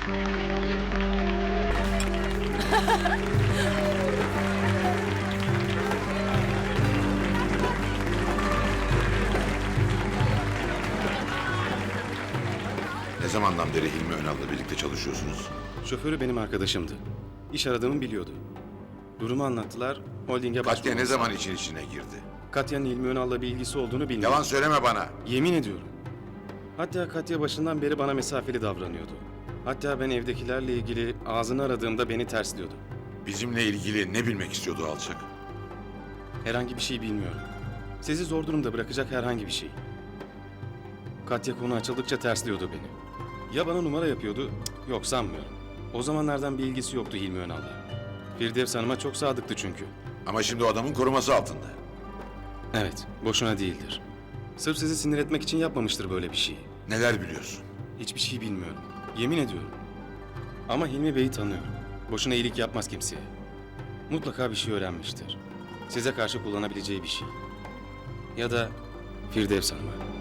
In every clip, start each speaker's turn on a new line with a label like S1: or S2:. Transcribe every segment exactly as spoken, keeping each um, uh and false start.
S1: Ne zamandan beri Hilmi Önal'la birlikte çalışıyorsunuz?
S2: Şoförü benim arkadaşımdı. İş aradığımı biliyordu. Durumu anlattılar, holdinge
S1: Katya
S2: başvurmamız
S1: ne zaman
S2: lazım.
S1: için içine girdi?
S2: Katya'nın Hilmi Önal'la bir ilgisi olduğunu bilmiyorum.
S1: Yalan söyleme bana.
S2: Yemin ediyorum. Hatta Katya başından beri bana mesafeli davranıyordu. Hatta ben evdekilerle ilgili ağzını aradığımda beni tersliyordu.
S1: Bizimle ilgili ne bilmek istiyordu alçak?
S2: Herhangi bir şey bilmiyorum. Sizi zor durumda bırakacak herhangi bir şey. Katya konu açıldıkça tersliyordu beni. Ya bana numara yapıyordu, cık, yok sanmıyorum. O zamanlardan bir ilgisi yoktu Hilmi Önal'la. Firdevs Hanım'a çok sadıktı çünkü.
S1: Ama şimdi o adamın koruması altında.
S2: Evet, boşuna değildir. Sırf sizi sinir etmek için yapmamıştır böyle bir şeyi.
S1: Neler biliyorsun?
S2: Hiçbir şey bilmiyorum. Yemin ediyorum. Ama Hilmi Bey'i tanıyorum. Boşuna iyilik yapmaz kimseye. Mutlaka bir şey öğrenmiştir. Size karşı kullanabileceği bir şey. Ya da Firdevs Hanım'a.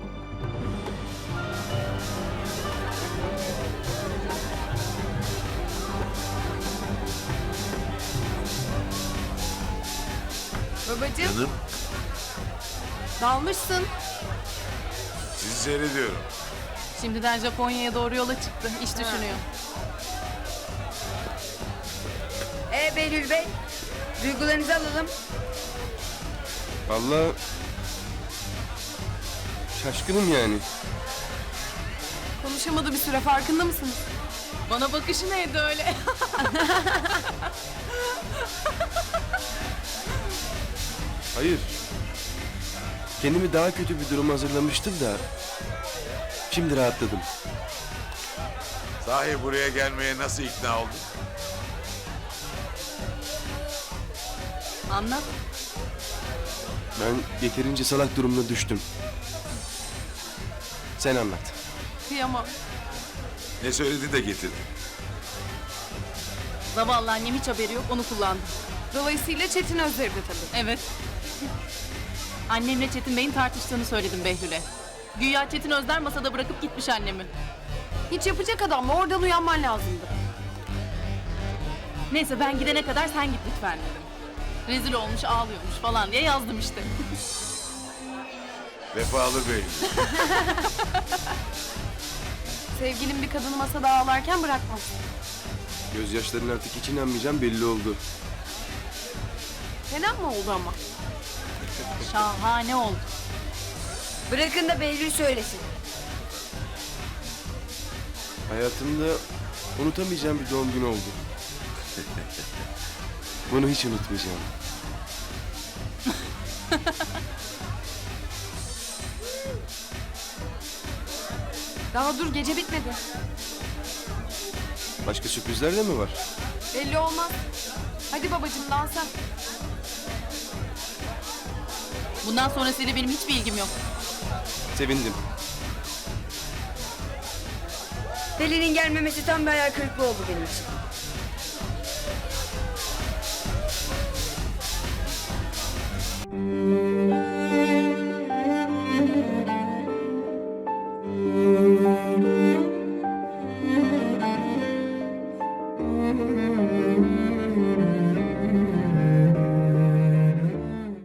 S3: Babacığım,
S1: Canım,
S3: dalmışsın.
S1: sizi seyrediyorum.
S4: Şimdiden Japonya'ya doğru yola çıktı. İş düşünüyor.
S3: Ee Behlül Bey, duygularınızı alalım.
S5: Vallahi şaşkınım yani.
S4: Konuşamadı bir süre, farkında mısınız? Bana bakışı neydi öyle?
S5: Hayır. Kendimi daha kötü bir duruma hazırlamıştım da şimdi rahatladım.
S1: Sahi buraya gelmeye nasıl ikna oldun?
S4: Anlat.
S5: Ben yeterince salak durumuna düştüm. Sen anlat.
S4: Kıyamam.
S1: Ne söyledi de getirdi?
S4: Zavallı annem hiç haberi yok, onu kullandı.
S3: Dolayısıyla Çetin Özler'de tabii.
S4: Evet. Annemle Çetin Bey'in tartıştığını söyledim Behlül'e. Güya Çetin Özler masada bırakıp gitmiş annemi.
S3: Hiç yapacak adam mı? Oradan uyanman lazımdı.
S4: Neyse ben gidene kadar sen git lütfen dedim. Rezil olmuş, ağlıyormuş falan diye yazdım işte.
S1: Vefalı bey.
S3: Sevgilin bir kadını masada ağlarken bırakmaz.
S5: Gözyaşların artık hiç inanmayacağım belli oldu.
S3: Fena mı oldu ama?
S4: Şahane oldu.
S3: Bırakın da Behlül söylesin.
S5: Hayatımda unutamayacağım bir doğum günü oldu. Bunu hiç unutmayacağım.
S3: Daha dur, gece bitmedi.
S5: Başka sürprizler de mi var?
S3: Belli olmaz. Hadi babacığım, dansa.
S4: Bundan sonrasıyla benim hiçbir ilgim yok.
S5: Sevindim.
S3: Pelin'in gelmemesi tam bir hayal kırıklığı oldu benim için.
S6: Thank you.